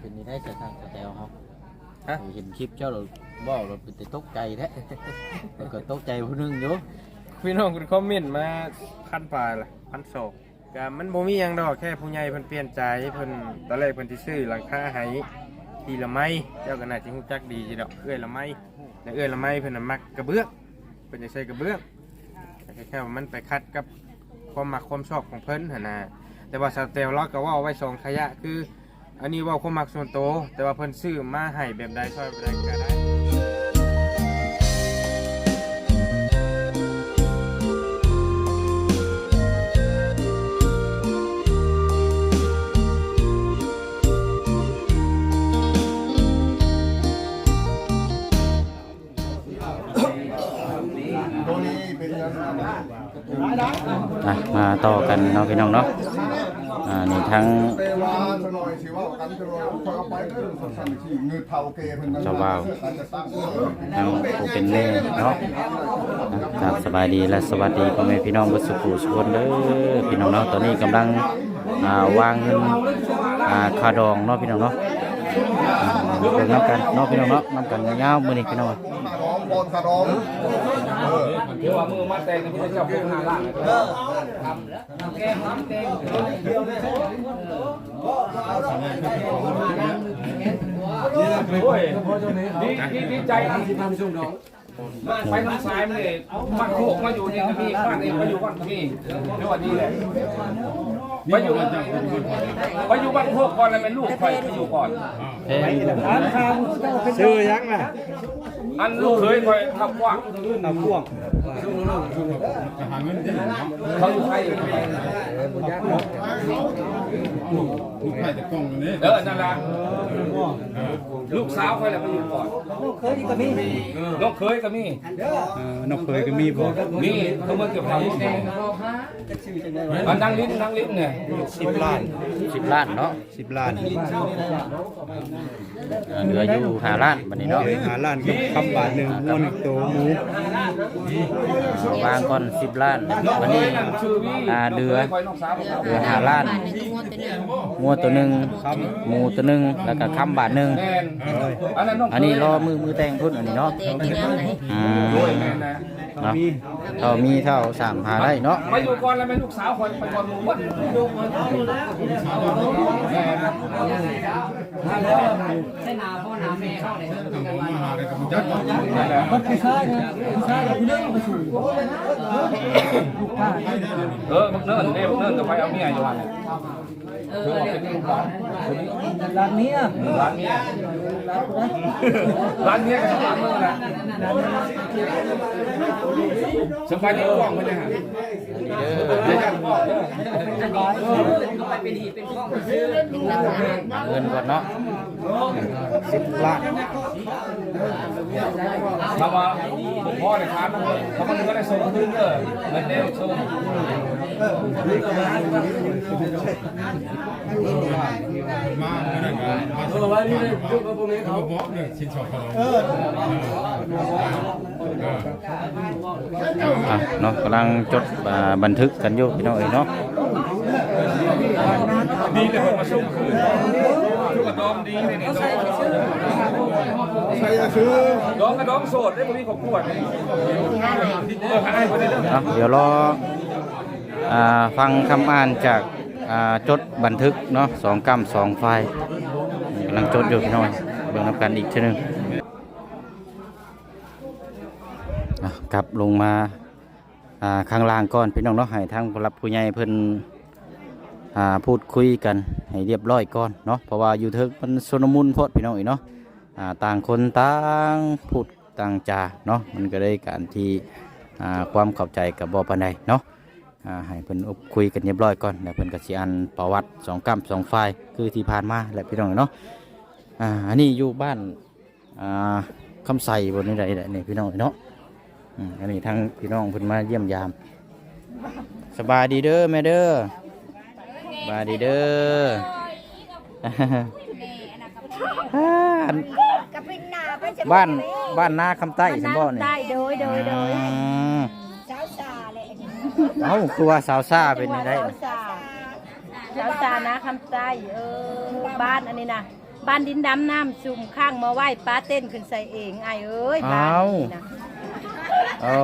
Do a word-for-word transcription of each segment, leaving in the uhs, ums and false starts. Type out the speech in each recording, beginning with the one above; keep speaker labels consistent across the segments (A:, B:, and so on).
A: เป็นนี่ได้จะทางสแตลเฮา
B: ฮะ
A: เห็นคลิปเจ้าเราบ่เราเป็นแต่ตกใจแท้แล้วก็ตกใจผู้นึงอยู่
B: พี่น้องคุณคอมเมนต์มาพันปลายละพันสองก็มันบ่มีหยังดอกแค่ผู้ใหญ่เพิ่นเปลี่ยนใจเพิ่นตอนแรกเพิ่นสิซื้อหลังคาให้ทีละไม้เจ้าก็น่าสิฮู้จักดีสิดอกเอื้อยละไม้และเอื้อยละไม้เพิ่นน่ะมักกระเบื้องเพิ่นจะใช้กระเบื้องแต่แค่ว่ามันไปคัดกับความมักความชอบของเพิ่นหั่นน่ะแต่ว่าสเตลเราก็ว่าเอาไว้สองขยะคืออันนี้เว่าความมักส่วนตัวแต่ว่าเพิ่นซื้อมาให้แบบใดช่วยแบบใดก็ได้
A: อ่ะมาต่อกันเนาะพี่น้องเนาะอ่านี่ทั้งเจ้าบ่าวทั้งผู้เป็นแม่เนาะครับสบายดีและสวัสดีพ่อแม่พี่น้องทุกผู้ทุกคนเด้อพี่น้องเนาะตอนนี้กำลังอ่าวางเงินอ่าคาดองเนาะพี่น้องเนาะเป็นน้ำกันเนาะพี่น้องเนาะน้ำกันยาวๆมื้อนี้พี่น้องบอลคาดองเดี๋ยวว่ามือมาแต่งนี่จะจับพวกหาล่างเออทำแล้วทำแกงทำแกงเดียวเลยดีดีใจนะที่ทำช่วงนี้ไปทางซ้ายมาเลยบ้านโคกมาอยู่นี่ก็มีบ้านเองมาอยู่บ้านก็มีเดี๋ยววันนี้แหละไปอยู่ไปอยู่บ้านโคกก่อนแล้วเป็นลูกไปไปอยู่ก่อนชื่อยังไงอันลูกเคยคอยขับกว้างขับกว้างเขาอยู่ไทยอยู่ไทยลูกไทยจะกล้องนี้เออนั่นแหละลูกสาวคอยแหละไปอยู่ก่อนลูกเคยก็มีลูกเคยก็มี
C: นกเคยก็มีบ่
A: มีเขาเมื่อเกี่ยวกับอันนั่งลิ้นนั่งลิ้นเนี่ย
C: สิบล้าน
A: สิบล้านเนาะ
C: สิบล้าน
A: เหลืออยู่ห้าล้านบัดนี้เนาะ
C: ห้าล้านกับคำบาทหนึ่งงวหนึ่งตัวหมู
A: วางก่อนสิบล้านบัดนี้อ่าเดือเดือห้าล้านงัวตัวหนึ่งหมูตัวหนึ่งแล้วก็คำบาทหนึ่งอันนี้รอมือมือแต่งพุ่นอันนี้เนาะอืมเนาะเท่ามีเท่าสามหาได้เนาะ
B: ไปอยู่ก่อนแล้วเป็นลูกสาวคนไปก่อนหมู่บ้าน
D: ใช่นาพ่อนาแม่เขาเนี่ย
B: มันคือชาติชาติเราเรื่องมาสู่เออมึงเนิ่นเด้มึงเนิ่นกับไปเอาเมียอยู่วัน
D: เออร้านนี้
B: ร้านเมียร้านเมียกับร้านมึงนะสบายดีกล้องไปเลยฮะเดี๋ยวจะบอกเด้อ
D: เขาไปเป็นหีเป็นข้องซื้อ
A: เงินก่อนเนาะ
C: สิบล้าน
B: ทำมาพ่อเนี่ยครับเขามันก็ได้ส่งขึ้นเด้อเงินเด้อส่ง
C: มาเออว่านี่เลยจุกกับพวกนี้เขาบอกเนี่ยชิ้นชอบเขาเออ
A: อ่ะเนาะกำลังจดบันทึกกันอยู่พี่น้องเอ๋ยเนาะ
B: ดีเลยมาส่งคืนลูกกระดอมดีเลยเนี่ย
C: ใครจะซื้อ
B: ดอมกระดอมโสดได้บ่มีของขวดเออให้บ่ได้เด้อ
A: เดี๋ยวรออ่าฟังคำอ่านจากอ่าจดบันทึกเนาะสองกำสองไฟล์กำลังจดอยู่พี่น้องเบิ่งนำกันอีกทีนึงกลับลงมาข้างล่างก่อนพี่น้องเนาะให้ทางผู้รับผู้ใหญ่เพิ่นพูดคุยกันให้เรียบร้อยก่อนเนาะเพราะว่าอยู่เทิงมันชนมุนโพดพี่น้องอีกเนาะต่างคนต่างพูดต่างจาเนาะมันก็ได้การที่ความเข้าใจกับบ่ปานใดเนาะให้เพิ่นคุยกันเรียบร้อยก่อนแล้วเพิ่นก็สิอ่านประวัติสองกำสองฝ่ายคือที่ผ่านมาแหละพี่น้องเนาะอันนี้อยู่บ้านคำไสบนนี้ใดๆนี่พี่น้องเนาะอันนี้ทั้งพี่น้องเพิ่นมาเยี่ยมยามสบายดีเด้อแม่เด้อสบายดีเด้อบ้านบ้านนาคำใต้สมบ่เนี่ย
E: ได้โดยโดยโดย
A: สาวซาเลยเอ้าคือว่าสาวซาเป็นยังไง
E: สาวซานะคำใต้เออบ้านอันนี้นะบ้านดินดำน้ำซุ่มข้างมาไหว้ป้าเต้นขึ้นใส่เองไอ้เอ้ยบ้านนี่นะ
A: เอา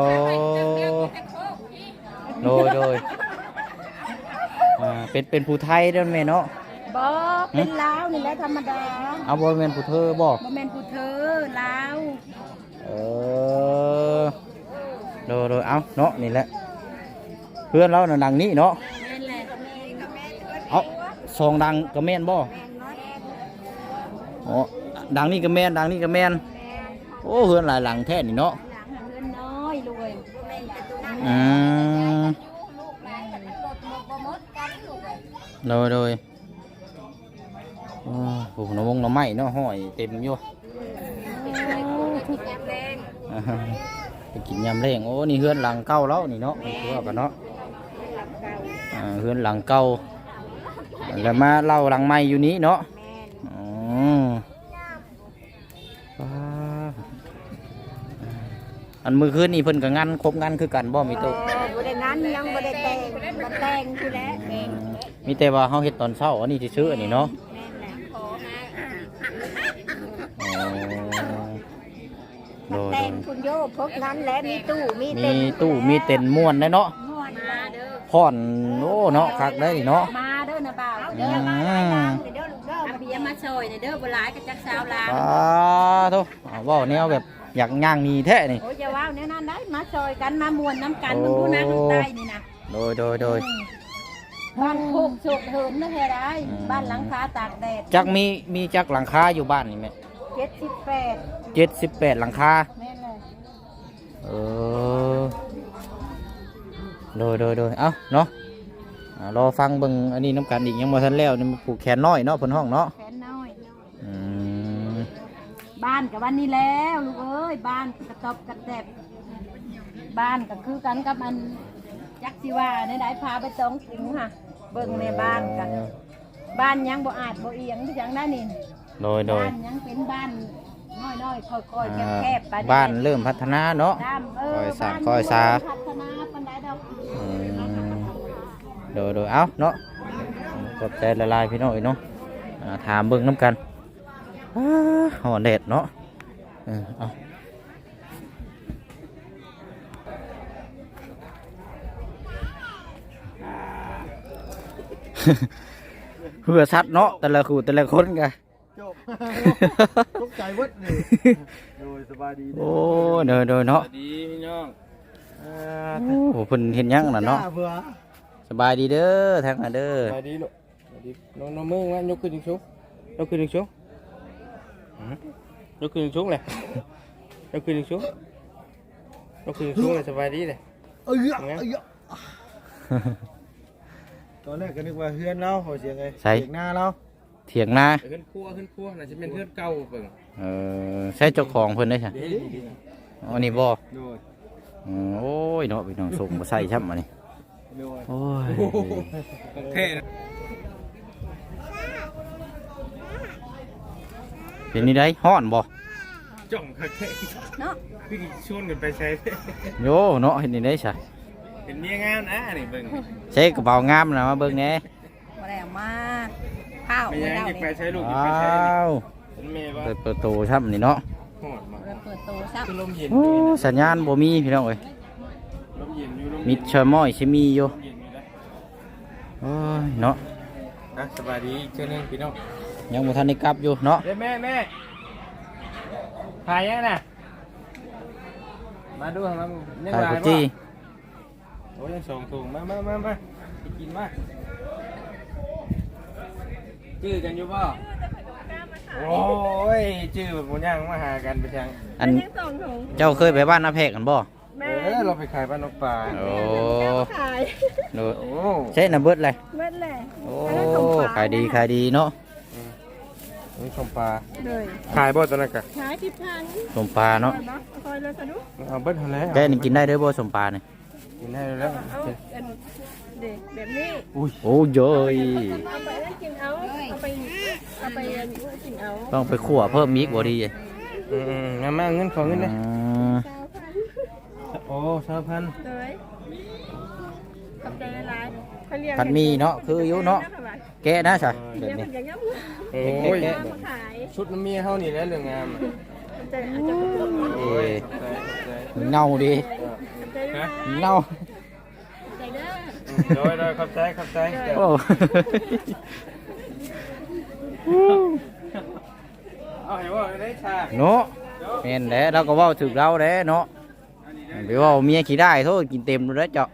A: โดยโดยอ่าเป็นเป็นผู้ไทยเด้อแม่เนาะ
E: บ่เป็นลาวนี่แหละธรรมดา
A: เอาบ่แม่นผู้เธอบ่
E: บ่แม่นผู้เธอลาว
A: เออโดยโดยเอาเนาะนี่แหละเพื่อนเราน่ะดังนี้เนาะ
E: แม่นแหละ
A: เอาสองดังก็แม่นบ่อ๋อดังนี่ก็แม่นดังนี่ก็แม่นโอ้เพื่อนหลายหลังแท้นี่เนาะ
E: หลังเพื่อนน้อยรวย
A: อืมโดยโดยโอ้โหน้ำมงน้ำไม้เนาะห้อยเต็มอยู่อ่าไปกินยำแรงโอ้นี่เฮือนหลังเก่าแล้วนี่เนาะมันคือว่ากันเนาะอ่าเฮือนหลังเก่าแล้วมาเล่าหลังใหม่อยู่นี้เนาะอ๋อว้าอันมือคืนนี่เพิ่นก็งานครบงานคือกันบ่มีตัว
E: บ่ได้นั้นยังบ่ได้แต่งบ่แต่งคือแล้วเอง
A: มีแต่ว่าเฮาเฮ็ดตอนเช้าอันนี้ที่ซื้ออันนี้เนาะอ๋อโดย
E: แต่
A: โด
E: ง
A: ย
E: คุณโยพบนั้นแล้วมีตู้มี
A: มี
E: เต็น
A: ตู้มีเต็นท์ม่วนได้เนาะ
E: ม่วนมาเด้อ
A: พอนโอ้เนาะคักได้นี่เนาะ
E: มาเด้อนะบ่าว
A: อื
E: เด้อ
A: ม
E: เด้อลูกเด้อเบียมาซอยเด้อบ่หลายก็จักสาวลา
A: สาธุอ่าเว้าแนวแบบอยากย่างหนีแท้นี่
E: โอ้ยอย่าว้าวแนวนั้นได้มาซอยกันมามวนน้ำกันมึงดูนะข้างใต้นี่นะ
A: โดยโดยโดย
E: บ้านโคกโศกเหินนะแท้ได้บ้านหลังคาตากแดด
A: จักมีมีจักหลังคาอยู่บ้านนี่แม่
E: เจ็ดสิบแปด
A: เจ็ดสิบแปดหลังคา
E: แม่นเลย
A: เออโดยโดยโดยเอ้าเนาะอ่ารอฟังเบิ่งอันนี้น้ำกันอีกยังบ่ทันแล้วนี่มันผูกแขนน้อยเนาะเพิ่นห้องเนาะ
E: แขนน้อย
A: อืม
E: บ้านกับวันนี้แล้วลูกเอ้ยบ้านกระตอบกระแตบบ้านก็คือกันกับมันยักษ์สิว่าในได้พาไปสองถุงค่ะเบิ่งในบ้านกันบ้านยังบ่อาจบ่เอียงที่ยังได้นี่
A: โดยโดย
E: บ้านยังเป็นบ้านน้อยๆค่อยๆแคบๆไป
A: บ้านเริ่มพัฒนาเนาะ
E: ตามเอ
A: ค่
E: อ
A: อยสร้าง
E: บ้น
A: ค่อยสร้าง
E: พัฒนาปานใดดอก
A: อืมโดยโดยเอ้าเนาะขอบใจละลายพี่น้องอีกเนาะอ่าถามเบิ่งน้ำกันอ้าหอนแดดเนาะเออเอา เพื่อชัดเนาะแต่ละคู่แต่ละคนกัน
C: จบตกใจเวิดนี่โดยสบายดี
A: โอ้เดยโดยเนาะ
B: ดีพี่น้อง
A: โอ้เพิ่นเห็นหยังน่ะเนาะ
C: เบื่อ
A: สบายดีเด้อทางน่ะเด้อ
B: สบายดีลูกสบายดีน้องน้องมือว่ายกขึ้นสูงยกขึ้นสูงยกขึ้นสูงเลยยกขึ้นสูงยกขึ้นสูงเลยสบายดีเลย
C: เอ้ยเอ้ยตอนแรกก็นึกว่าเฮือนเราเขาเสียงไงเสียงหน้าเรา
A: เถียงนา
B: ขึ้นครัวขึ้นครัวน่าจะเป็นเพื่อนเก่าเปิ่ง
A: เออใช่เจ้าของเพิ่นได้ใช่อันนี้บ่
C: โดย
A: อืมโอ้ยเนาะพี่น้องส่งมาใส่ช่ำอันนี้
C: โดย
A: โอ้ย
B: โอเค
A: เป็นนี่ได้ฮ้อนบ่
B: จ่องโอเค
E: เนาะ
B: พี่ชวนกันไปใช้
A: โยเนาะเห็นนี่ได้ใช่
B: เป็นเมียงามนะนี่เบิ่ง
A: ใช้กระเป๋างามนะมาเบิ่งแหน่
E: บ่ได้เอามาข้าว
B: ไม่
E: ไม่
B: ยัง
E: ได้
B: อยากไป
E: เลย
B: ใช้ลูกอยาก
A: ว้
B: ไปใช้
A: าว
B: เป็นเมียว่า
A: เปิดประตูช่ำนี่เนาะ
B: หอดมา
E: เปิดตู้ซับ
B: คือลมเย็น
A: โอ้สัญญาณบ่มีพี่น้องเอ้ย
B: ลมเย็นอยู่ลม
A: มิดชอยม้อยชิมีอยู่
B: เย็นอยู่แล้ว
A: โอ้ยเนาะ
B: อ่ะสบายดีเจ้านึงพี่น้อง
A: ยังบ่ทันได้กลับอยู่เนาะ
B: เด้แม่แม่ถ่ายยังน่ะมาดูทางนั้นยัง
A: ถ่าย
B: หลา
A: กุ
B: ย
A: จี้
B: โอ้ยยังสองถุงมามามามาไปกินมาจื้อกันอยู่ป่ะโอ้ยจื้อแบบมันย่างมาหากันไปจัง
A: อันเจ้าเคยไปบ้านนาแพกกันบ่
B: เออเราไปขายบ้านนกปลา
A: โอ้โด
B: โอ้
A: ใช่นะเบิดเลย
E: เม็ดแหละ
A: โอ้ขายดีขายดีเนาะ
B: นี่ชมปลา
E: เลย
B: ขายบ่ตอนนั้นกะ
E: ขายที่พัน
A: สมปลาเนาะ
E: คอยเลยสะดุ
B: เอาเบิ้ลเท่าแล้ว
A: แกนี่กินได้เด้อบ่สมปลาเนี่ย
B: กินได้แล้ว
E: เอาเป็นเด็กแบบนี้
B: อุ้ย
A: โอ้เยอะ
E: เอาไปนั่นกินเอาเอาไปเอาไปกินเอา
A: ต้องไปขั่วเพิ่มมีกบ่ดี
B: อืมๆงั้นมาเอาเงินขอเงินเลย
A: อืม
B: โอ้สามพัน
E: เลยขอบใจหลาย
A: ขผัดหมีเนาะคืออยู่เนาะแกะนะใช่แบบนี้
B: โอ้ย
A: แกะ
B: ชุดน้ำเมียเฮานี่แหละเรื่องงามอะ
A: เอ้ย
B: ใช่ใช่
A: เน่าดี
B: ฮะ
A: เน่า
B: โดยโดยขับใจขับใจ
A: โอ้
B: เอาให้ว่าได้ชา
A: เนาะแม่นแหละเราก็เว้าถึกเราแหละเนาะไปเว่าเมียขี้ได้โทษกินเต็มเลยเจ้า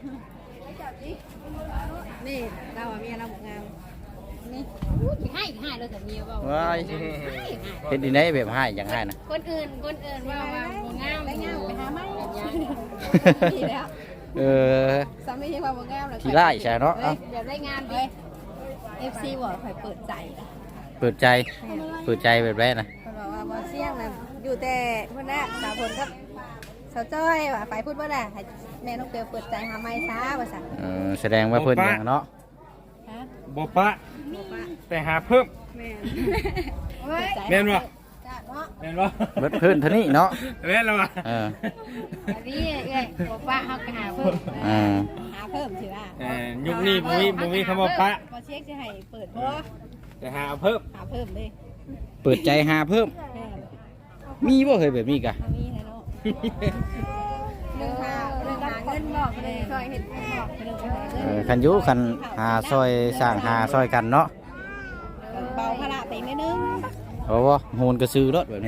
E: นี่เราอะเมียเราหมกงามนี่อู้ยให้ให้เราแต่เมียเปล่า
A: ว้ายเฮ็ดดีไหนแบบให้อย่างให้นะ
E: คนอื่นคนอื่นว่าว่าหมกงามได้งามไปหาไม้ดีแล้ว
A: เออ
E: สามีที่ว่าหมกงามเลย
A: ขี้ไล่ใช่เนาะ
E: เอ้ยเดี๋ยวได้งานดิเอฟซีบอกใครเปิดใจ
A: เปิดใจเปิดใจแบบแรกนะ
E: เขาบอกว่าบ่เสี่ยงนะอยู่แต่เพื่อนแรกสาวผลกับสาวจ้อยว่าไปพูดว่าแหละให้แม่น้องเปียวเปิดใจหาไม้ช้าว่าสั่น
A: เออแสดงว่าเพิ่นอย่างเนาะ
E: ฮะ
B: บ่ปะ
E: บอกว่า
B: แต่หาเพิ่ม
E: แม่
B: แม่นบ่
E: จ้าเนาะ
B: แม่นบ่
A: เบิดเพิ่นเท่านี้เนาะ
B: แม่นแล้วบ่
A: เออ
E: อันนี้เอ้ยบอกว่าเขาก็หาเพิ่ม
A: อ่า
E: หาเพิ่มสิว่า
B: เอ่อยุคนี้บ่มีบ่มีคำว่าปะ
E: บ่เช็คสิให้เปิดบ่
B: แต่หาเพิ่ม
E: หาเพิ่มเลย
A: เปิดใจหาเพิ่ม
E: แม่
A: มีบ่เคยแบบนี้กะ
E: เอามีนะเนาะเรื่องหาเรื่องหาเงินบอกเลยช่วยเฮ็ดเงินบอกเรื่องหาเงิ
A: เอน อคันอยุคันหาซอยสร้างหาซอยกันเนาะ
E: เบาภาระไปนิดนึง
A: เพราะว่าโหนกระซื้อรถแบบนี้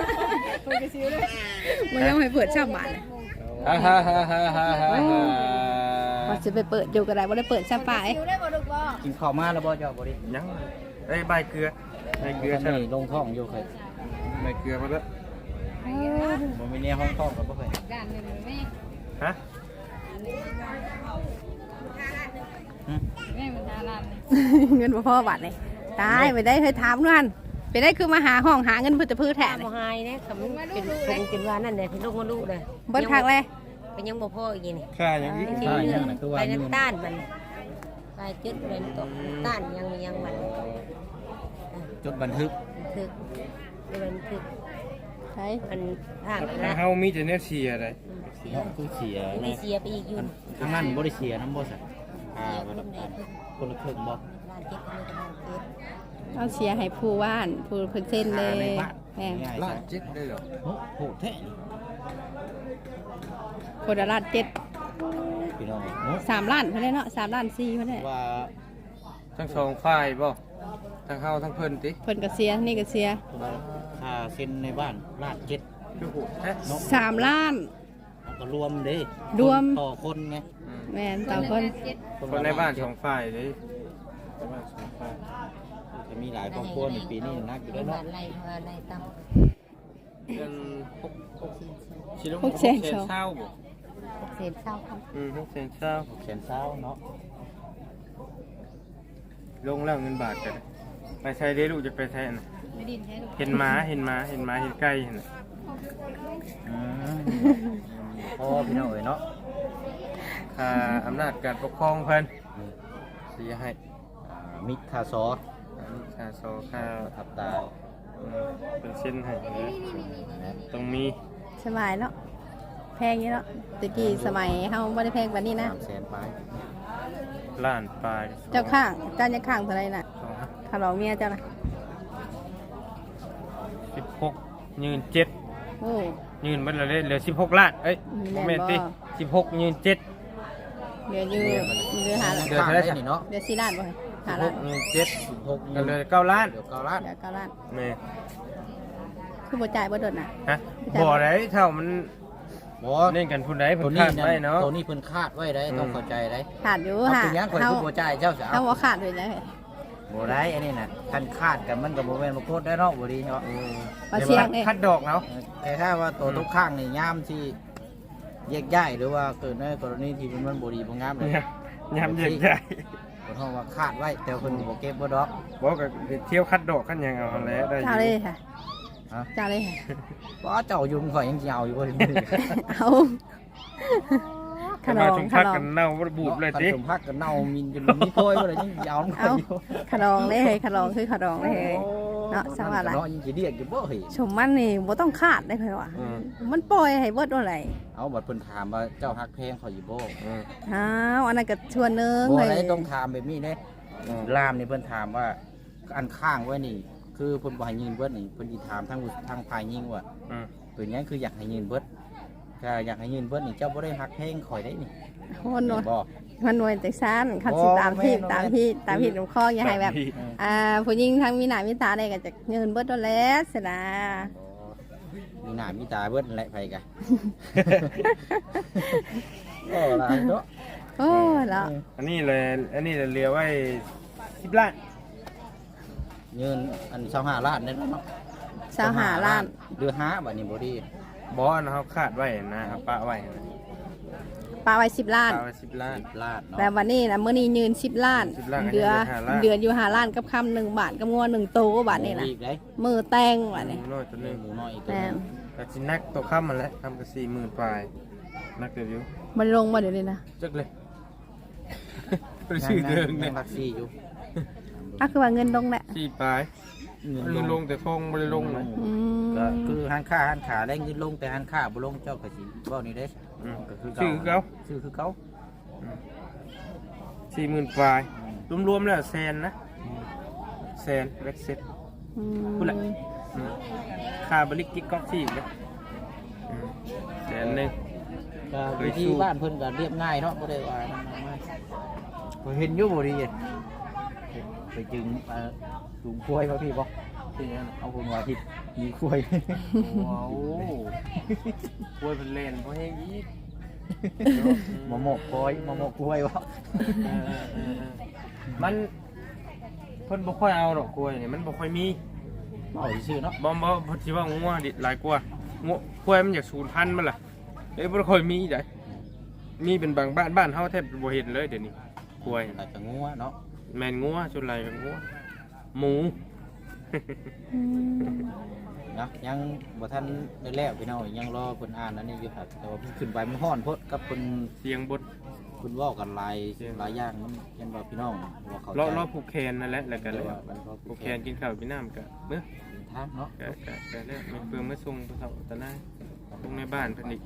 E: มันยังให้เปิดช่ำบาทเลย
B: ฮ่าฮ่าฮ่าฮ่าฮ่าฮ่า
E: ว่าจะไปเปิดอยู่ก็ได้บ่ได้เปิดช่ำป่าย
A: กินข้าวมาแล้วบ่เจ้าบ่ดิ
B: ยังไอ้ใบเกลือใบเกลือ
A: อัน
B: ใช่
A: นี้ลงท้องอยู่เคย
B: ใบเกลือมาแล้ว
A: บ่มีเนี่ยห้องท้องก็บ่เคย
E: ด้านหนึงแม่
B: ฮะ
E: แม่มันทาร้านเงินบ่พอบาทเลยตายไปได้เคยถามนั่นไปได้คือมาหาห้องหาเงินเพื่อจะพื้นแทน
D: บ่หายเนี่ยคำเป็นคงเป็นว่านั่นแหละที่ลูกมาลูกเลย
E: เบิ้ลคักเลย
D: ก็ยังบ่พออีกนี่
B: ค่าอย่างนี้
D: ที่เลือดไปน้ำต้านมันไปจุดไปตกต้านยังยังมัน
A: จดบันทึก
D: ถึกมันถึก
E: ใช่
D: มันห่าง
B: ถ้า
D: นะ
B: เฮามีแต่แนวเสียอะไร
D: เสีย
A: เนาะคือเสีย
D: มี
A: นะ
D: เสียไปอีกอยู่
A: ทางนั้นบ่ได้เสียน้ำบ่ซะอ่าบ่รับการคนละครึ่งบ่
D: ล้านเจ็ดก็ไม่กำลังเจ็ด
E: เอาเสียให้ผู้ว่านผู้เพิ่นเส้นเลยแม่
A: ง่าย
B: ล้า
A: ๆ
B: นเจ็ดได้เหรอ
A: โอ้โหแท้นี่
E: คนละล้านเจ็ด
A: พี่น้องเนาะ
E: สามล้านเพิ่นได้เนาะสามล้านสี่เพิ่นได้
A: ว่า
B: ทั้งสองฝ่ายบ่ทั้งเฮาทั้งเพิ่นติ
E: เพิ่นก็เสียนี่ก็เสีย
A: ว่าค่าเซ็นในบ้านลาดเจ็ด
B: คือโหดแท้
A: เนาะ
E: สามล้าน
A: เอาก็รวมเด้
E: รวม
A: ต่อคนไง
B: อืม
E: แม่นต่อคน
B: คนในบ้านสองฝ่ายเลยในบ้านสองฝ่าย
A: จะมีหลายครอบครัวในปีนี้นักอยู่
D: เป็
A: แล้
D: น
A: ว
D: บา
A: เนาะ
D: ทไรเพราะอะไรตั้ม
B: เป็นหกหกชิล
E: หกแสนสอง
B: เศร้าบ่
D: เศษเศร้าครับ
B: อืมหกแสนเศร้า
A: แสนเศร้าเนาะ
B: ลงแล้วเงินบาทกันไปใช้ได้ลูกจะไปใช้น่ะ
E: ไม่ดินแท้
B: เห็นหมาเห็นหมาเห็นหมาเห็นไก่เห็นน่ะ
A: อืมพอพี่น้องเอ้ยเนาะ
B: ค่าอำนาจการปกครองเพิ่นสิให้
A: อ่ามิตรคาซอ
B: ค่าโซค่า
A: ทับตา
B: อืมเป็นเส้นให้นะต้องมี
E: สบายเนาะแพงอยู่เนาะตะกี้สมัยเฮาบ่ได้แพงกว่านี้นะ
A: สามแสนไป
B: ล้านปลาย
E: เจ้าข้างเจ้าจะข้างเท่าไหร่น่ะ
B: สองห้า
E: ถ้าลองเมียเจ้าน่ะ
B: สิบหกยืนเจ็ด
E: โอ้
B: ยืนมันละเลยเหลือสิบหกล้านเอ้ย
E: แม่นบ่
B: แม่นติสิบหกยืนเจ็ด
E: เหลืออยู่เหลือหาล้าน
B: เดือนเท่าไหร่
A: นี่เนาะ
E: เหลือสี่ล้านบ่หา
B: สิบห
E: ล้าน
B: กยืนเจ็ด
A: สิบหก
B: ก็เหลือเก้าล้าน
A: เดี๋ยวเก้าล้าน
E: เหลือเก้าล้าน
B: แม่
E: คือบ่จ่ายบ่โดนน่ะ
B: ฮะบ่ได้เท่ามัน
A: บ่
B: เล่นกันพุ่นใด
A: ตั
B: พุ่
A: วน นี้
B: คาด
A: นั่
B: ไว้
A: น
B: เนาะ
A: ตัวนี้เพิ่นคาดไว้ได้ต้องเข้าใจได้
E: ขาดอยู่
A: เอา
E: ค่ะ
A: เป็นหยังข่อย
E: เฮา
A: คือบ่จ่ายเจ้าจะ
E: เฮา
A: เอา
E: บ่ขาดเลยนะ
A: บ่ได้อันนี้น่ะคันคาดกันมันก็บ่แม่นบ่โคตรได้เนาะบ่ดีเนาะ
B: อืม
E: มาเชียงเด้
B: คัดดอกเนาะ
A: แต่ถ้าว่าตัวทุกข้างนี่ยามที่แยกย้ายหรือว่าเกิดในกรณีที่มันบ่ดีบ่งามเลย
B: เนี่ยยามเย็นใจ
A: บ่ท้องว่าคาดไว้แต่เพิ่นบ่เก็บบ่ดอก
B: บอกก็เที่ยวคัดดอกคันหยังเอาหั่นแหล้วได้อ
E: เจ้าเลย
B: ยู่
E: ค่ะ
A: ฮะ
E: เจ้าเลยค่ะ
A: บ่เจ้าอยู่ข่อยยังสิเอาอยู่บ่ได้มื้อ
E: เอาข
B: ข
E: น
B: นม
E: ม
B: ชุม
E: ข
B: พัก
E: น
B: กัน
E: ม
B: เน่าบ่ได้บูดเลยติ
A: สมพักกันเน่ามินจนมีโพยบ่ได้ยังสิเอาข่อ
E: เอา
A: ยอยู่
E: ขนมเลยเฮ้ยขนมคือขนมเลยเฮ้ย
A: โอ้
F: เนาะสังว่าล่ะ
A: เนาะยังสิเรียกอยู่บ่เฮ้ย
F: ชมมันนี่บ่ต้องคาดได้เพิ่นว่า
B: อืม
F: มันปล่อยให้เบิดอะไร
A: เอาบัดเพิ่นถามว่าเจ้าฮักเพลงเขาอยู่บ่
B: อืม
F: อ้าวอันนั้นก็ชวนหนึง
A: บ่
F: เฮ้ย
A: ได้ต้องถามแบบนี้เด้
B: อืม
A: ลามนี่เพิ่นถามว่าอันข้างไว้นี่ คือเพิ่นบ่ให้ยืนเบิดนี่เพิ่นสิถามทางทางฝ่ายยิงว่า
B: อืม
A: เป็นหยังคืออยากให้ยืนเบิดก็อยากให้ยืนเบิดนี่เจ้าบ่ได้ฮักเพลงข่อยได้นี่
F: คนหนวด
A: บ่
F: มันหนวดจังซั่นคันสิตามที่ตามที่ตามที่ลำคออย่าให้แบบ อ่าผู้หญิงทั้งมีหน้ามีตาได้ก็จะเงินเบิดโดนแล้วสินะ
A: มีหน้ามีตาเบิดนั่นแหละไผกะ ก็หลายเนาะ
F: โอ้แล้ว
B: อันนี้เลยอันนี้เลยเรียกไว้สิบล้าน
A: ยืนอัน25ล้านได้เนาะ
F: สาวหาล้าน
A: เดือห้าบัดนี้บ่ดี
B: บอสนะครับคาดไว้นะเอาปะไว้นะ
F: ปลาไว้สิบล้าน
B: ปะไว้สิบล้าน
A: ล้านเนาะ
F: แต่วันนี้นะเมื่อนี้ยืนสิบล้าน
B: สิบล้าน
F: เดือ
B: ก็ยังเหลือห้าล้าน
F: เดือนอยู่หาล้านกับคำหนึ่งบาทกับงัวหนึ่งโตบาทนี่นะ
A: อีกได้
F: มือแตงบาทนี่
B: หมูน้อยตัวหนึง
A: หมูน้อยอีกตัว
F: แม่
A: หนึง
B: แต่สินักตัวข้ามมันแหล้วทำกับสี่หมื่นปลายนักเดบิวต์
F: มันลงมาเดี๋ยวนี้นะ
B: จักเลยไปชื่อเดิม
A: ยั
B: เนี่ย
A: งรักซี่อยู่
F: อ่ะคือว่าเงินลงแหละ
B: สี่ปลาย
A: เงิน
B: เงิน
A: ล
B: ล
A: ง
B: งแต่ทองไม่ได้ลงนะ
F: อืม
A: ก็คือหันค่าหันขาได้เงินลงแต่หันค่าบ่ลงเจ้าก็สิเว้านี่เด้
B: อืม
A: ก็คือ
B: ชื่อเขา
A: ชื่อคือเขา
B: สี่หมื่นปลายรวมๆแล้วแสนนะแสนเล็กเซ็ต
F: อืม
B: พูดแหละ อืมค่าบริกิกก๊อกที่อีกนะอืมแสนหนึ่ง
A: ก็
B: เคย
A: วิธี
B: สู้
A: บ้านเพิ่นก็เรียบง่ายเนาะบ่ได้ว่านั่นมากมายบ่เห็นอยู่บ่ดีไปจึงเอ่อจุงกล้วยเขาพี่บ่ที่นั่นเอาคนว่าที่มีกล้วย
B: ว้าวกล้วยเป็นเลนเพราะแห้งอีก
A: มะม่วงกล้วยมะม่วงกล้วยบ่
B: เออเออเออเออมันเพิ่นบ่ค่อยเอาดอกกล้วยนี่มันบ่ค่อยมี
A: เอาซื่อๆเนาะ
B: บ่บ่เพิ่นสิว่างัวดิหลายกว่างัวกล้วยมันอยากสูญพันธุ์มันล่ะเอ้ยบ่ค่อยมีได้มีเป็นบางบ้านบ้านเฮาแทบบ่เห็นเลยเดี๋ยวนี้กล้วย
A: แต่ก็งัวเนาะ
B: แม่นงัวส่วนหลายก็งัวหมู
F: อืม
A: นะยังบ่ทันได้แล้วพี่น้องยังรอเพิ่นอ่านอันนี้อยู่ครับแต่ว่าเพิ่นขึ้นไปมันฮ้อนโพดกับเพิ่น
B: เสียงบด
A: เพิ่นเว้ากันหลายหลายอย่างมันยันว่าพี่น้องว่าเขาใจ
B: รอรอผูกแขนนั่นแหละแล้วก็เลย
A: ว่ามันก็
B: ผูกแขนกินข้าวกินน้ำก็เมื่อ
A: ทางเนาะ
B: ก็ก็ก็แล้วมันเพิ่งมาส่งผู้เฒ่าตะนายลงในบ้านเพิ่นอีก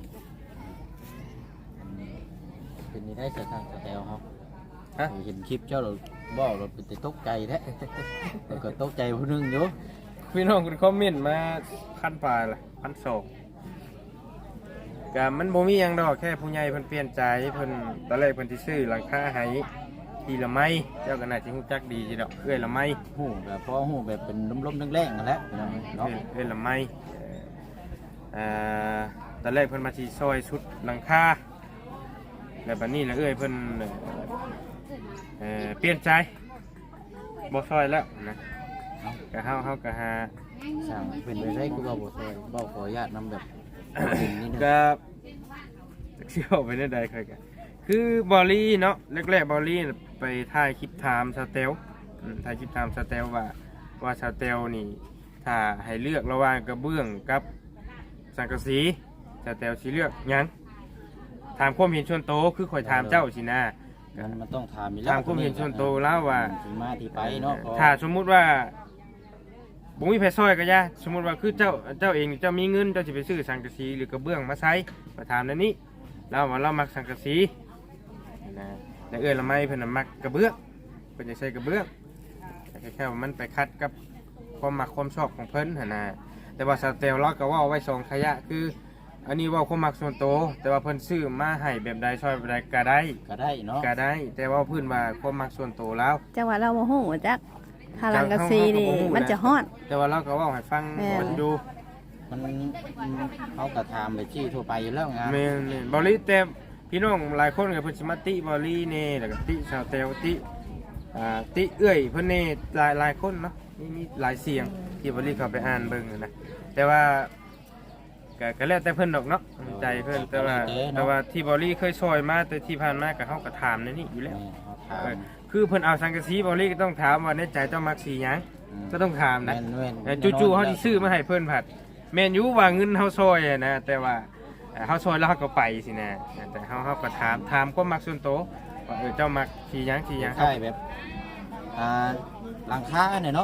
A: เป็นนี่ได้เสียทางสแตลเฮา
B: ฮะ
A: เห็นคลิปเจ้าเราบ่เราเป็นแต่ตกใจแท้ แล้วก็ตกใจผู้หนึงอยู่
B: พี่น้องคุณคอมเมนต์มาพันปลายละพันสองก็มันบ่มีหยังดอกแค่ผู้ใหญ่เพิ่นเปลี่ยนใจเพิ่นตอนแรกเพิ่นสิซื้อหลังคาให้ทีละไม้เจ้าก็น่าสิฮู้จักดีสิดอกเอ้ยละไม้
A: ฮู้แบบพอฮู้แบบเป็นลมๆแรงๆนั่นแหละพี่น้องเนาะ
B: เอ้ยเอ้ยละไม้เอ่อตอนแรกเพิ่นมาสิซอยชุดหลังคาแล้วบัดนี้ละเอ้ยเพิ่นเอ่อเปลี่ยนใจบ่ซอยแล้วนะ
A: เนาะ
B: ก็เฮาเฮาก็หา
A: สร้างเป็นไปได้คือว่าบ่ซอยบ่ขออนุญาตนำแบบดินนี่นึง
B: ก็เชี่ยวไปได้ใดเคยกันคือบอลลี่เนาะแรกๆบอลลี่น่ะไปถ่ายคลิปไทม์สเตลอืมถ่ายคลิปไทม์สเตลว่าว่าสเตลนี่ถ้าให้เลือกระหว่างกระเบื้องกับสังกะสีสเตลสิเลือกหยังถามความเห็นส่วนโตวคือข่อยถามเจ้าสินะ
A: มันมันต้องถามอยู่
B: ถามความเห็นส่วนโตวแล้วว่า
A: ที่มาที่ไปเนาะ
B: ถ้าสมมุติว่าบุ้มีแพซอยก็ยาสมมุติว่าคือเจ้าเจ้าเองเจ้ามีเงินเจ้าจะไปซื้อสังกะสีหรือกระเบื้องมาใช้มาถามนั่นนี้เราว่าเรามักสังกะสีนะแต่เอื้อละไม่เพิ่นนะมักกระเบื้องเพิ่นจะใช้กระเบื้องแต่แค่ว่ามันไปคัดกับความมักความชอบของเพิ่นหั่นนะแต่ว่าสเตลเราก็เว่าไว้สองขยะคือ อันนี้เว่าความมักส่วนโตวแต่ว่าเพิ่นซื้อมาให้แบบใดช่วยแบบใดก็ได้
A: ก็ได้เนาะ
B: ก็ได้ แต่ว่าเพิ่นว่าความมักส่วนโตวแล้ว
F: จังหวะเราโมโหจักทารังกะซีนี่มันจะฮ้อน
B: แต่ว่าเราก็เว่าให้ฟัง
F: แม่น
B: คนดู
A: มันเขาก็ถามไปที่ทั่วไปอยู่แล้วงาน
B: แม่นๆบอลลี่แต่พี่น้องหลายคนก็เพิ่นสิมาติบอลลี่เน่แล้วก็ติชาวเตลติอ่าติเอื้อยเพิ่นเน่หลายหลายคนเนาะมีมีหลายเสียงที่บอลลี่เขาไปอ่านเบิ่งนะแต่ว่าก็ก็แล้วแต่เพิ่นดอกเนาะใจเพิ่นแต่ว่าแต่ว่าที่บอลลี่เคยซอยมาแต่ที่ผ่านมาก็เฮาก็ถามในนี้อยู่แล้ว
A: เขาถาม
B: เออคือเพิ่นเอาสังกะสีบอลลี่ก็ต้องถามว่าในใจเจ้ามักสีหยังก็ต้องถามนะ
A: แม่นๆ
B: แต่จู่ๆเขาสิซื้อมาให้เพิ่นผัดแม่นอยู่ว่าเงินเฮาซอยอะนะแต่ว่าเอ่อเฮาซอยแล้วเฮาก็ไปสินะแต่เฮาเฮาก็ถามถามความมักส่วนตัวว่าเออเจ้ามักสีหยังสีหยัง
A: ใช่แบบอ่าหลังคาเนี่ยเนาะเ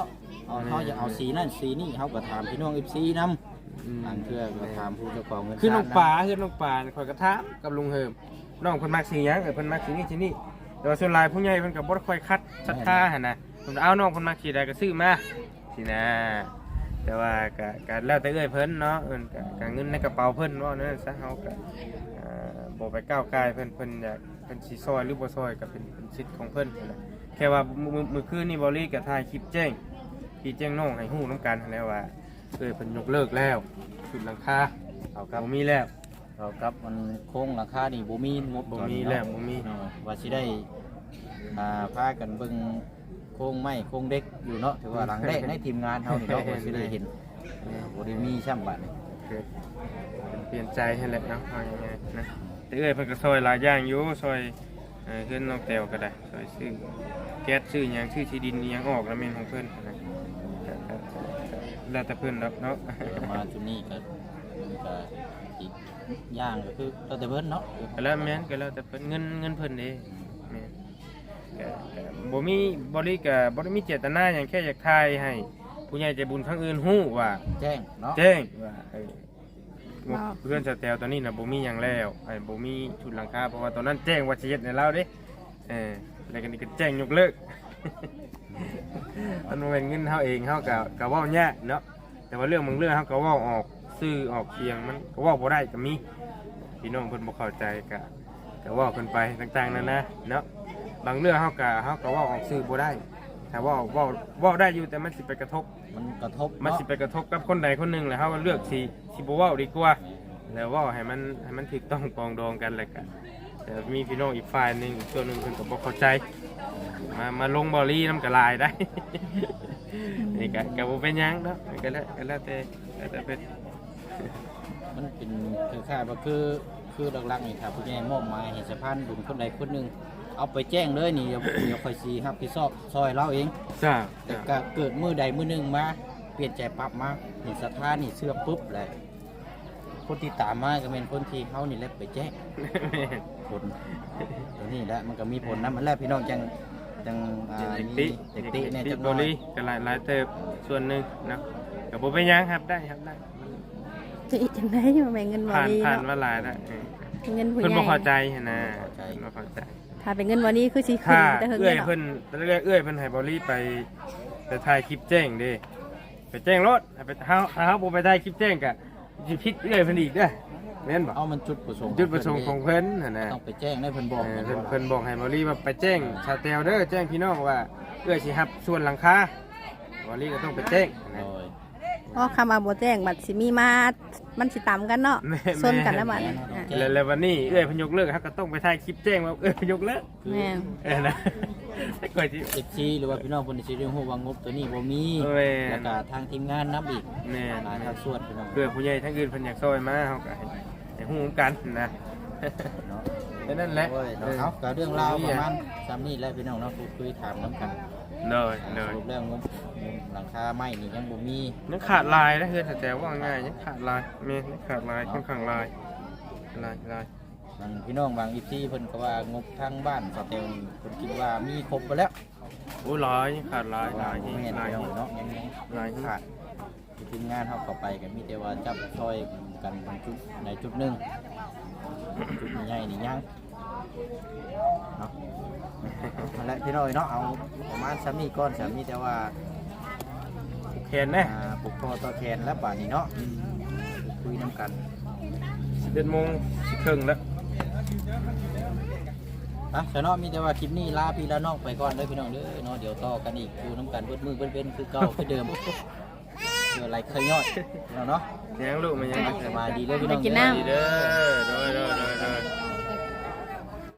A: เอาเขาจะเอาสีนั่นสีนี่เขาก็ถามพี่น้อง เอฟ ซี นำทางเพื่อก็ถามผู้เจ้าของเงิน
B: คือน้องป่าคือน้องป่าคอยกระทะกับลุงเฮิมน้องเพิ่นมักสีหยังเออเพิ่นมักสีนี่สีนี่แต่ว่าส่วนหลายผู้ใหญ่เพิ่นก็บ่ได้ค่อยคัดศรัทธาหั่นน่ะเพิ่นเอาน้องเพิ่นมักสีใดก็ซื้อมาสินะแต่ว่าก็ก็แล้วแต่เอ้ยเพิ่นเนาะเอิ้นก็ก็เงินในกระเป๋าเพิ่นว่านั่นซะเฮาก็เอ่อบ่ไปก้าวกายเพิ่นเพิ่นอยากเพิ่นสิซอยหรือบ่ซอยก็เป็นเป็นสิทธิ์ของเพิ่นนั่นแหละแค่ว่ามื้อมื้อคืนนี้บ่ลีก็ถ่ายคลิปแจ้งพี่แจ้งน้องให้ฮู้นํกันนั่นแหละว่าเอ้ยเพิ่นยกเลิกแล้วชุดหลังคา
A: เอาครับ
B: บ่มีแล้ว
A: เอาครับมันโค้งราคานี่บ่มีหมด
B: บ่มีแล้วบ่มี
A: เนาะว่าสิได้อ่าพากันเบิ่งโค้งไม้โค้งเด็กอยู่เนาะถือว่าหลังแรกในทีมงานเฮานี่เนาะ ว่าสิได้เห็นเออบ่ได้มีช่ำบัดนี่
B: เกิดเปลี่ยนใจให้แหละเนาะเอาง่ายๆนะแต่เอ้ยเพิ่นก็ซอยหลายอย่างอยู่ซอยเอ่อเพิ่นน้องแต้วก็ได้ซอยซื้อแก๊สซื้อหยังซื้อที่ดินอิหยังออกแล้วแม่นของเพิ่นนะก็ก็ก็แล้วแต่เพิ่นดอกเนาะ
A: เดี๋ยวมาจุดนี้ก็ก็อีกอย่างก็คือเราแต่เพิ่นเนาะ
B: ก็แล้วแม่นก็แล้วแต่เพิ่นเงินเงินเพิ่นเด้แม่นก็ก็บ่มีบ่ได้ก็บ่ได้มีเจตนาหยังแค่อยากทายให้ผู้ใหญ่ใจบุญทั้งอื่นฮู้ว่า
A: แจ้งเนาะ
B: แจ้งว่าไอ้งบเพื่อนสแตลตอนนี้นะบ่มีหยังแล้วไอ้บ่มีชุดหลังคาเพราะว่าตอนนั้นแจ้งว่าสิเฮ็ดให้เราเด้เออแล้วก็นี่ก็แจ้งยกเลิก มันบ่แม่นเงินเฮาเองเฮาก็ก็เว้ายากเนาะแต่ว่าเรื่องบางเรื่องเฮาก็เว้าออกซื่อออกเคียงมันก็เว้าบ่ได้ก็มีพี่น้องเพิ่นบ่เข้าใจก็ก็เว้ากันไปต่างๆนั่นนะเนาะบางเรื่องเฮาก็เฮาก็เว้าออกซื่อบ่ได้ถ้าเว้าเว้าเว้าได้อยู่แต่มันสิไปกระทบ
A: มันกระทบ
B: มัน
A: เนาะ
B: สิไปกระทบกับคนใดคนหนึ่งแหละครับว่าเลือกสีสิบเว้าดีกว่าแล้วเว่าให้มันให้มันถูกต้องปรองดองกันเลยกันแต่มีพี่น้องอีกฝ่ายหนึ่งอีกส่วนหนึ่งเพิ่นก็บ่เข้าใจมามาลงบอลี่น้ำกระลายได้ นี่ก็ก็บ่เป็นหยังเนาะก็แล้วก็แล้วแต่แล้วแต่เป็น
A: มันเป็นคือค่าว่าคือคือหลักๆนี่ครับผู้ใหญ่มอบหมายให้สะพานบุญคนใดคนหนึงเอาไปแจ้งเลยนี่เดี๋ยวเดี๋ยวค่อยสิรับผิดชอบซอยเราเอง
B: จ้า
A: แต่ก็เกิดมือใดมือหนึงมาเปลี่ยนใจปรับมาเห็นสถานนี่เชื่อปุ๊บเลยคนที่ตามมาก็เป็นคนที่เขานี่แหละไปแจ้งผลตัวนี้แหละมันก็มีผลนะมันแล้วพี่น้องจังจังอ่า
B: เด็ก
A: มี
B: ติ
A: เด็กติเนี่ย
B: ติ
A: จั
B: ด
A: ง
B: บ
A: น้
B: อ
A: อย
B: ลี่ก็หลายหลายเติบส่วนหนึ่งนะก็บ่เป็นหยังครับได้ครับได้
F: จะอีกจังได๋มาแบ่งเงินบ่
B: ผ่าน
F: ดี
B: ผ่าน
F: เนาะ
B: มาหลายแล้วเออ
F: เงินผู้
B: เพิ่น
F: ให
B: บ่
F: ญ่
B: เข้าใจหั่นนะเพิ่นบ่เข้าใจ
F: ถ้าเป็นเงินบ่ดีคือสิขึ้
B: ถ้าน
F: แต่เฮิง
B: เอื้อย
F: เนาะ
B: เพิ่นตอนแรกเอื้อยเพิ่นให้บอลลี่ไปไปถ่ายคลิปแจ้งเด้ไปแจ้งรถให้ไปเฮาเฮาบ่ไปถ่ายคลิปแจ้งก็สิผิดเอื้อยเพิ่นอีกเด้อแม่นบ่
A: เอามันจุดประสงค์
B: จุดประสงค์ของเพิ่นหั่นน่ะ
A: ต้องไปแจ้งได้เพิ่นบอก
B: เออ
A: นะ
B: เพิ่นเพิ่นบอกให้บอลลี่ว่าไปแจ้งชาแตลเด้อแจ้งพี่น้องว่าเอื้อยสิรับส่วนหลังคาบอลลี่ก็ต้องไปแจ้ง
A: โด
B: นะ
A: ย
F: เพราะคำว่าบ่แจ้งบัดสิมีมามันสิต่ำกันเนาะ
B: แม่
F: ซนกันแล้วบัดอ่ะ
B: แล้วแล้ววันนี้เอื้อยเพิ่นยกเลิกเฮาก็ต้องไปถ่ายคลิปแจ้งว่าเอื้อยเพิ่นยกเลิก
F: แม่น
B: เออนะก่อนสิ
A: เอฟซีหรือว่าพี่น้องคนที่สิได้ฮู้ว่างบตัวนี้บ่มี
B: แม่น
A: แล้วก็ทางทีมงานนํอีก
B: แม่
A: หลาย
B: น
A: ภาคส่วนพี่น้อง
B: เพื่อผู้ใหญ่ทั้งอื่นเพิ่นอยากซอยมาเฮาก็ให้ให้ฮู้กันนะ
A: เนาะ
B: แค่นั้นแหละ
A: โอ้ยเนาะเอาก็เรื่องราวประมาณซ้ำนี้แหละพี่น้องเนาะพูดคุยถามน้ำกัน
B: เลย
A: ส
B: เลย
A: รุปแล้วงบหลังคาไม้นี่ยังบ่มี
B: ยังขาดลายนะเฮือนแต่ว่าง่ายยังขาดลายแม่นยังขาดลายค่อนข้างลายลายลาย
A: บางพี่น้องบางอีพีเพิ่นก็ว่างบทางบ้านสเตลนี่เพิ่นคิดว่ามีครบไปแล้ว
B: โอ้ลายยังขาดลายลาย
A: บ่
B: ยัง
A: แม่น
B: ลาย
A: พี่น้องเนาะยังยัง
B: ลาย
A: ขาดทีมงานเฮาเข้าไปก็มีแต่ว่าจับซอยกันบางจุดในจุดหนึงจุดใหญ่ๆนี่ยังเนาะนั่นแหละพี่น้อยเนาะเอาประมาณซ้ำนี้ก่อนซ้ำนี้แต่ว่า
B: แขนนะ
A: อ่าปลุกคอต่อแขนแล้วป่านนี้เนาะคุยน้ำกัน
B: สิบเอ็ดโมงสิครึ่งแล้ว
A: อ่ะแต่เนาะมีแต่ว่าคลิปนี้ลาพี่ละน้องไปก่อนเด้อพี่น้องเด้อเนาะเดี๋ยวต่อกันอีกอยู่น้ำกันเบิดมือเบิดเว้นคือเก่าคือเดิมเดี๋ยวไรเคยย่อยเนาะเนาะ
B: ยังลูกมันยัง
A: สบายดีเด้อพี่น้อง
F: ไปกินน้ำ
B: ดีเด้อโดยโดย